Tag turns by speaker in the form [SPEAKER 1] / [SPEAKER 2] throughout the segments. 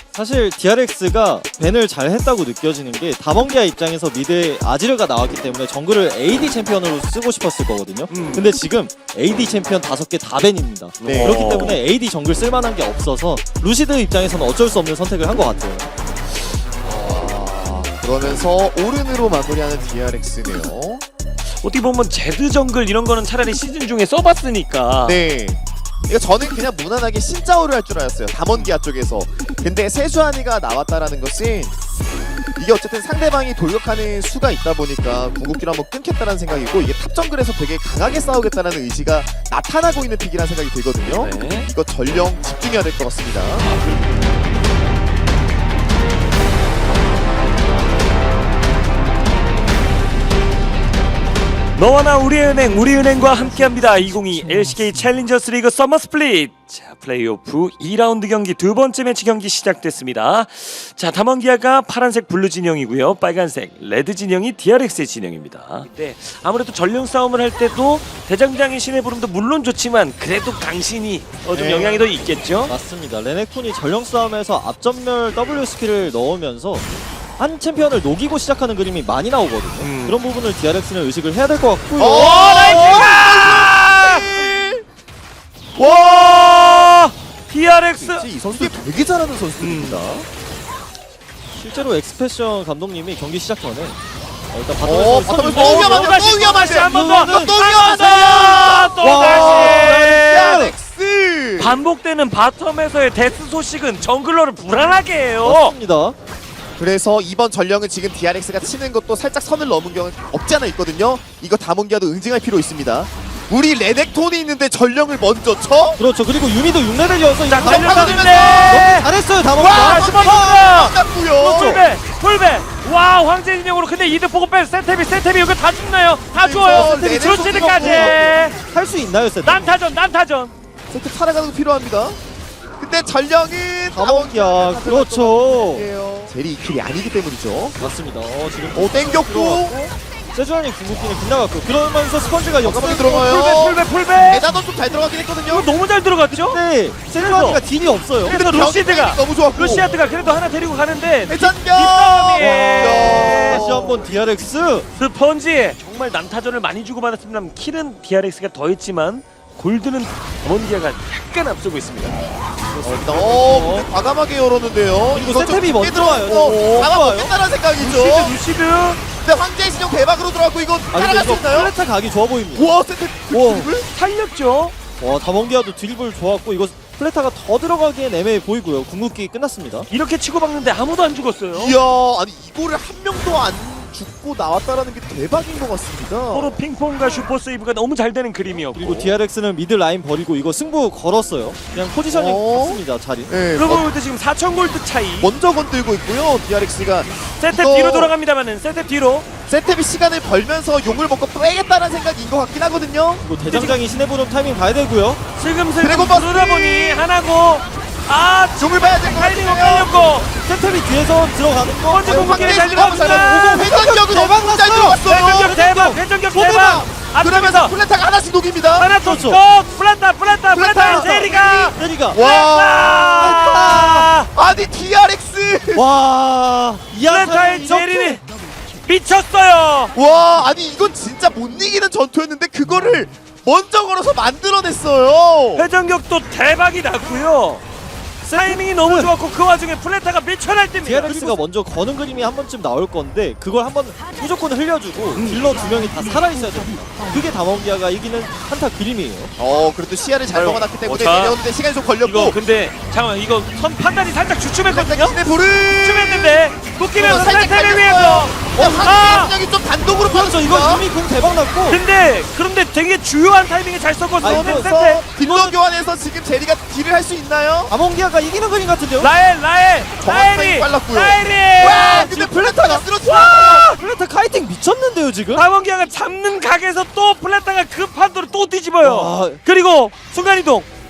[SPEAKER 1] 사실 DRX가 밴을 잘 했다고 느껴지는 게 다mon기아 입장에서 미드에 아지르가 나왔기 때문에 정글을 AD 챔피언으로 쓰고 싶었을 거거든요. 근데 지금 AD 챔피언 5개 다 밴입니다.
[SPEAKER 2] 네.
[SPEAKER 1] 그렇기 때문에 AD 정글 쓸만한 게 없어서 루시드 입장에서는 어쩔 수 없는 선택을 한 것 같아요.
[SPEAKER 2] 그러면서 오른으로 마무리하는 DRX네요.
[SPEAKER 3] 어떻게 보면 제드 정글 이런 거는 차라리 시즌 중에 써봤으니까.
[SPEAKER 2] 네. 이거 저는 그냥 무난하게 신짜오를 할 줄 알았어요. 담원기아 쪽에서. 근데 세주아니가 나왔다라는 것은 이게 어쨌든 상대방이 돌격하는 수가 있다 보니까 궁극기를 한번 끊겠다는 생각이고 이게 탑 정글에서 되게 강하게 싸우겠다는 의지가 나타나고 있는 픽이라는 생각이 들거든요.
[SPEAKER 3] 네.
[SPEAKER 2] 이거 전령 집중해야 될 것 같습니다.
[SPEAKER 3] 너와 나 우리은행, 우리은행과 함께합니다. 2022 LCK 챌린저스 리그 서머 스플릿. 자, 플레이오프 2라운드 경기 두 번째 매치 경기 시작됐습니다. 자, 담원기아가 파란색 블루 진영이고요. 빨간색 레드 진영이 DRX의 진영입니다. 네, 아무래도 전령 싸움을 할 때도 대장장의 신의 부름도 물론 좋지만 그래도 강신이 좀
[SPEAKER 2] 네.
[SPEAKER 3] 영향이 더 있겠죠?
[SPEAKER 1] 맞습니다. 레넥톤이 전령 싸움에서 앞전멸 W 스킬을 넣으면서 한 챔피언을 녹이고 시작하는 그림이 많이 나오거든요. 그런 부분을 DRX는 의식을 해야 될 것 같고요.
[SPEAKER 3] 와! DRX!
[SPEAKER 2] 이 선수 되게 잘하는 선수입니다.
[SPEAKER 1] 실제로 엑스패션 감독님이 경기 시작 전에 일단
[SPEAKER 2] 바텀에서
[SPEAKER 1] 바텀에서
[SPEAKER 2] 또 위험한데,
[SPEAKER 3] 다시,
[SPEAKER 2] 또 위험한데.
[SPEAKER 3] 한 번 더!
[SPEAKER 2] 또
[SPEAKER 3] 또 다시!
[SPEAKER 2] DRX!
[SPEAKER 3] 반복되는 바텀에서의 데스 소식은 정글러를 불안하게 해요.
[SPEAKER 1] 맞습니다.
[SPEAKER 2] 그래서 이번 전령은 지금 DRX가 치는 것도 살짝 선을 넘은 경우는 없지 않아 있거든요. 이거 다문기아도 응징할 필요 있습니다. 우리 레넥톤이 있는데 전령을 먼저 쳐?
[SPEAKER 1] 그렇죠. 그리고 유미도 6레벨이어서
[SPEAKER 3] 자,
[SPEAKER 2] 달려가는데!
[SPEAKER 1] 잘했어요. 다
[SPEAKER 2] 와!
[SPEAKER 1] 먹었다.
[SPEAKER 3] 슈퍼
[SPEAKER 2] 끝났고요.
[SPEAKER 3] 풀배! 와, 황제 진영으로 근데 이득 보고 뺀 세탭이 이거 다 죽나요? 다
[SPEAKER 2] 그래서
[SPEAKER 3] 죽어요.
[SPEAKER 2] 레넥톤
[SPEAKER 3] 루시드까지!
[SPEAKER 1] 할 수 있나요, 세트?
[SPEAKER 3] 난타전!
[SPEAKER 2] 세트 살아가는 거 필요합니다. 근데 전령은
[SPEAKER 1] 다mon기아. 그렇죠.
[SPEAKER 2] 젤이 2킬이 아니기 때문이죠.
[SPEAKER 1] 맞습니다. 지금
[SPEAKER 2] 오 땡겼고
[SPEAKER 1] 세주안이 궁극기는 빗나갔고 그러면서 스펀지가
[SPEAKER 2] 역습이
[SPEAKER 1] 역습을
[SPEAKER 2] 들어가요.
[SPEAKER 3] 풀배!
[SPEAKER 2] 에다도 좀 잘 들어가긴 했거든요.
[SPEAKER 3] 이거 너무 잘 들어갔죠?
[SPEAKER 1] 네, 세주안이가 딜이 없어요.
[SPEAKER 3] 그래서 루시드가
[SPEAKER 2] 너무 좋았고
[SPEAKER 3] 루시아드가 그래도 하나 데리고 가는데
[SPEAKER 2] 대전격
[SPEAKER 1] 다시 한번 DRX.
[SPEAKER 3] 스펀지 정말 난타전을 많이 주고받았습니다. 킬은 DRX가 더 했지만 골드는 담원기아가 약간 앞서고 있습니다.
[SPEAKER 2] 근데 과감하게 열었는데요.
[SPEAKER 1] 그리고
[SPEAKER 2] 이거 좀
[SPEAKER 1] 세탭이 먼저
[SPEAKER 2] 깊게
[SPEAKER 1] 와요.
[SPEAKER 2] 들어갔고 아마
[SPEAKER 1] 와요.
[SPEAKER 2] 먹겠다는 생각이죠.
[SPEAKER 3] 루시드
[SPEAKER 2] 근데 황제의 신용 대박으로 들어갔고 이거
[SPEAKER 1] 근데
[SPEAKER 2] 따라갈 수
[SPEAKER 1] 이거
[SPEAKER 2] 있나요?
[SPEAKER 1] 플레타 각이 좋아 보입니다.
[SPEAKER 2] 우와 세트
[SPEAKER 1] 우와.
[SPEAKER 2] 드립을?
[SPEAKER 3] 살렸죠.
[SPEAKER 1] 와, 다mon기아도 드리블 좋았고 이거 플레타가 더 들어가기엔 애매해 보이고요. 궁극기 끝났습니다.
[SPEAKER 3] 이렇게 치고박는데 아무도 안 죽었어요.
[SPEAKER 2] 이야 아니 이거를 한 명도 안 죽고 나왔다라는 게 대박인 것 같습니다.
[SPEAKER 3] 서로 핑퐁과 슈퍼 세이브가 너무 잘 되는 그림이었고
[SPEAKER 1] 그리고 DRX는 미드 라인 버리고 이거 승부 걸었어요. 그냥 포지셔닝 봤습니다, 자리.
[SPEAKER 2] 네,
[SPEAKER 3] 그러고 볼 때 지금 4,000 골드 차이.
[SPEAKER 2] 먼저 건들고 있고요. DRX가
[SPEAKER 3] 세탭
[SPEAKER 2] 이거-
[SPEAKER 3] 뒤로 돌아갑니다만은 세탭 뒤로.
[SPEAKER 2] 세탭이 시간을 벌면서 용을 먹고 빼겠다는 생각인 것 같긴 하거든요.
[SPEAKER 1] 그리고 대장장이 신의 부름 타이밍 봐야 되고요.
[SPEAKER 3] 슬금슬금
[SPEAKER 2] 드래곤 버스!
[SPEAKER 3] 누르다 보니 하나고
[SPEAKER 2] 용을 봐야 될 것
[SPEAKER 3] 타이밍
[SPEAKER 2] 같아요.
[SPEAKER 3] 엇갈렸고
[SPEAKER 1] 세탭이 뒤에서 들어가는 거.
[SPEAKER 3] 번째 궁극기를 잘
[SPEAKER 2] 황제의 신용
[SPEAKER 3] 들어갔습니다.
[SPEAKER 2] 회전격은
[SPEAKER 1] 대박
[SPEAKER 2] 엄청 잘
[SPEAKER 1] 났어요.
[SPEAKER 2] 들어갔어요.
[SPEAKER 3] 회전격 대박 회전격 대박.
[SPEAKER 2] 그러면서
[SPEAKER 3] 앞쪽에서
[SPEAKER 2] 플레타가 하나씩 녹입니다.
[SPEAKER 3] 하나 더
[SPEAKER 1] 그렇죠.
[SPEAKER 3] 플란타 제리가
[SPEAKER 1] 세리가.
[SPEAKER 3] 와
[SPEAKER 2] 아니 DRX
[SPEAKER 1] 와,
[SPEAKER 3] 플란타의
[SPEAKER 1] 이하차를
[SPEAKER 3] 제리는 미쳤어요.
[SPEAKER 2] 와 아니 이건 진짜 못 이기는 전투였는데 그거를 먼저 걸어서 만들어냈어요.
[SPEAKER 3] 회전격도 대박이 났고요. 타이밍이 너무 좋았고 그 와중에 플레타가 미쳐 날때입니다.
[SPEAKER 1] DRX가 먼저 거는 그림이 한 번쯤 나올 건데 그걸 한번 무조건 흘려주고 딜러 2명이 다 살아있어야 됩니다. 그게 다몬기아가 이기는 한타 그림이에요.
[SPEAKER 2] 그래도 시야를 잘
[SPEAKER 3] 아유,
[SPEAKER 2] 먹어놨기 때문에
[SPEAKER 3] 자,
[SPEAKER 2] 내려오는데 시간이 좀 걸렸고
[SPEAKER 3] 이거 근데 잠깐만 이거 선 판단이 살짝 주춤했거든요.
[SPEAKER 2] 근데 불을
[SPEAKER 3] 주춤했는데 묶이면서
[SPEAKER 2] 살짝
[SPEAKER 3] 플레타를
[SPEAKER 2] 깔렸어요.
[SPEAKER 3] 위해서
[SPEAKER 2] 황제의 좀 단독으로
[SPEAKER 1] 그렇죠. 이거
[SPEAKER 2] 펴졌습니다.
[SPEAKER 1] 이미 공 대박 났고
[SPEAKER 3] 그런데 되게 주요한 타이밍에 잘 썼거든요.
[SPEAKER 2] 그래서 딜러 교환해서 지금 제리가 딜을 할 수 있나요?
[SPEAKER 1] 다몬기아가 이기는 그림 같은데요?
[SPEAKER 2] 정확하게 빨랐고요.
[SPEAKER 3] 라엘이
[SPEAKER 2] 와 근데 플레타가 쓰러지고
[SPEAKER 1] 플레타 카이팅 미쳤는데요 지금?
[SPEAKER 3] 다원기아가 잡는 각에서 또 플레타가 그 판도를 또 뒤집어요.
[SPEAKER 1] 와.
[SPEAKER 3] 그리고 순간이동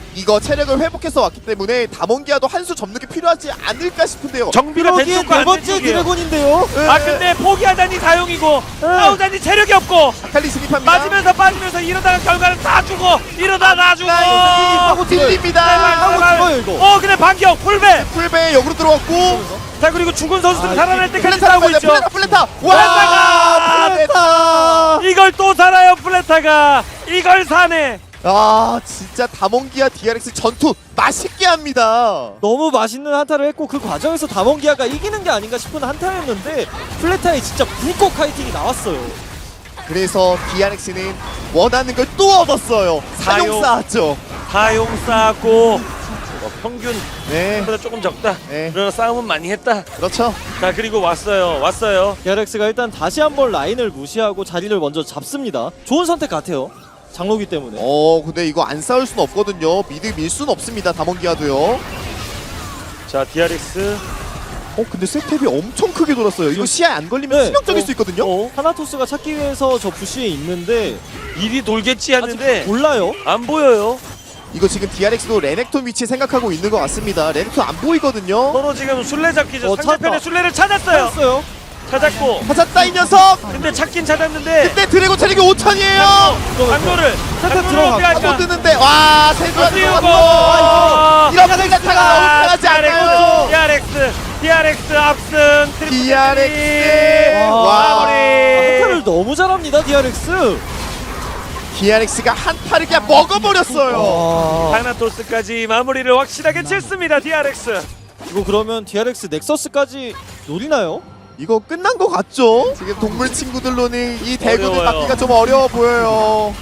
[SPEAKER 2] 이거 체력을 회복해서 왔기 때문에 담원기아도 한 수 접는 게 필요하지 않을까 싶은데요.
[SPEAKER 3] 정비가 된
[SPEAKER 1] 여기에
[SPEAKER 3] 쪽과
[SPEAKER 1] 네
[SPEAKER 3] 안 된
[SPEAKER 1] 번째
[SPEAKER 3] 쪽이에요.
[SPEAKER 1] 드래곤인데요.
[SPEAKER 3] 아 근데 포기하다니 사용이고 싸우다니 체력이 없고
[SPEAKER 2] 아칼리 진입합니다.
[SPEAKER 3] 빠지면서 이러다가 결과는 다 주고 이러다 다 주고
[SPEAKER 2] 하고 딜립니다.
[SPEAKER 1] 하고 죽어요 이거.
[SPEAKER 3] 근데 반격 풀배.
[SPEAKER 2] 풀배 역으로 들어갔고
[SPEAKER 3] 자 그리고 죽은 선수들
[SPEAKER 1] 아,
[SPEAKER 3] 살아날 때까지
[SPEAKER 2] 플레타
[SPEAKER 3] 싸우고
[SPEAKER 2] 나가야 돼.
[SPEAKER 3] 있죠.
[SPEAKER 2] 플레타
[SPEAKER 3] 플레타가!
[SPEAKER 2] 와 플레타.
[SPEAKER 3] 이걸 또 살아요 플레타가. 이걸 사네.
[SPEAKER 2] 아 진짜 담원기아 DRX 전투 맛있게 합니다.
[SPEAKER 1] 너무 맛있는 한타를 했고 그 과정에서 담원기아가 이기는 게 아닌가 싶은 한타였는데 플레타에 진짜 불꽃 카이팅이 나왔어요.
[SPEAKER 2] 그래서 DRX는 원하는 걸 또 얻었어요. 사용 쌓았죠.
[SPEAKER 3] 사용 쌓았고 평균보다
[SPEAKER 2] 네,
[SPEAKER 3] 조금 적다.
[SPEAKER 2] 네,
[SPEAKER 3] 그러나 싸움은 많이 했다.
[SPEAKER 2] 그렇죠.
[SPEAKER 3] 자 그리고 왔어요.
[SPEAKER 1] DRX가 일단 다시 한번 라인을 무시하고 자리를 먼저 잡습니다. 좋은 선택 같아요. 장로기 때문에.
[SPEAKER 2] 근데 이거 안 싸울 순 없거든요. 미드 밀 순 없습니다. 담원기아도요.
[SPEAKER 3] 자 DRX
[SPEAKER 2] 근데 세탭이 엄청 크게 돌았어요. 이거 시야에 안 걸리면
[SPEAKER 1] 네.
[SPEAKER 2] 치명적일 수 있거든요.
[SPEAKER 1] 하나토스가 찾기 위해서 저 부시에 있는데
[SPEAKER 3] 일이 돌겠지
[SPEAKER 1] 아직
[SPEAKER 3] 하는데
[SPEAKER 1] 몰라요.
[SPEAKER 3] 안 보여요.
[SPEAKER 2] 이거 지금 DRX도 레넥톤 위치 생각하고 있는 것 같습니다. 레넥톤 안 보이거든요.
[SPEAKER 3] 서로 지금 술래잡기죠.
[SPEAKER 1] 찾았다.
[SPEAKER 3] 상대편의 술래를 찾았어요.
[SPEAKER 1] 찾았어요.
[SPEAKER 3] 찾았고
[SPEAKER 2] 찾았다 이 녀석.
[SPEAKER 3] 근데 찾긴 찾았는데
[SPEAKER 2] 근데 드래곤 체력이 5천이에요.
[SPEAKER 3] 강도를
[SPEAKER 1] 들어가.
[SPEAKER 2] 못 뜨는데 와 세주한
[SPEAKER 3] 띄우고
[SPEAKER 2] 들어갔고 이런 플레타가 너무 편하지 않아요.
[SPEAKER 3] DRX 압승
[SPEAKER 2] DRX
[SPEAKER 1] 와,
[SPEAKER 3] 마무리.
[SPEAKER 1] 한타를 너무 잘합니다 DRX.
[SPEAKER 2] DRX가 한타를 그냥 먹어버렸어요.
[SPEAKER 3] 타나토스까지 마무리를 확실하게 쳤습니다. DRX.
[SPEAKER 1] 이거 그러면 DRX 넥서스까지 노리나요?
[SPEAKER 2] 이거 끝난 것 같죠? 지금 동물 친구들로는 이 대군을
[SPEAKER 3] 어려워요.
[SPEAKER 2] 막기가 좀 어려워 보여요.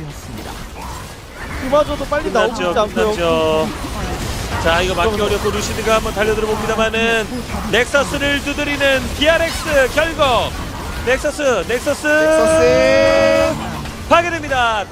[SPEAKER 1] 그마저도 빨리 나오지 않고요.
[SPEAKER 3] 끝났죠. 자 이거 막기 어렵고 루시드가 한번 달려들어 봅니다만은 넥서스를 두드리는 DRX 결국 넥서스
[SPEAKER 2] 넥서스
[SPEAKER 3] 파괴됩니다.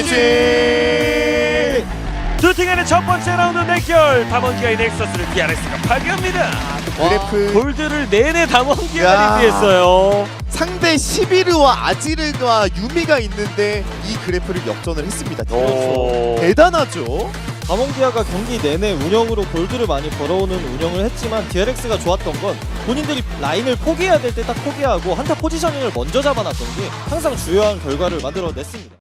[SPEAKER 2] GG.
[SPEAKER 3] 두 팀 간의 첫 번째 라운드 대결 담원기아의 넥서스를 DRX가 파괴합니다.
[SPEAKER 2] 그래프
[SPEAKER 3] 골드를 내내 담원기아가
[SPEAKER 2] 야.
[SPEAKER 3] 리드했어요.
[SPEAKER 2] 상대 시비르와 아지르와 유미가 있는데 이 그래프를 역전을 했습니다.
[SPEAKER 3] 오.
[SPEAKER 2] 대단하죠?
[SPEAKER 1] 담원기아가 경기 내내 운영으로 골드를 많이 벌어오는 운영을 했지만 DRX가 좋았던 건 본인들이 라인을 포기해야 될 때 딱 포기하고 한타 포지셔닝을 먼저 잡아놨던 게 항상 주요한 결과를 만들어냈습니다.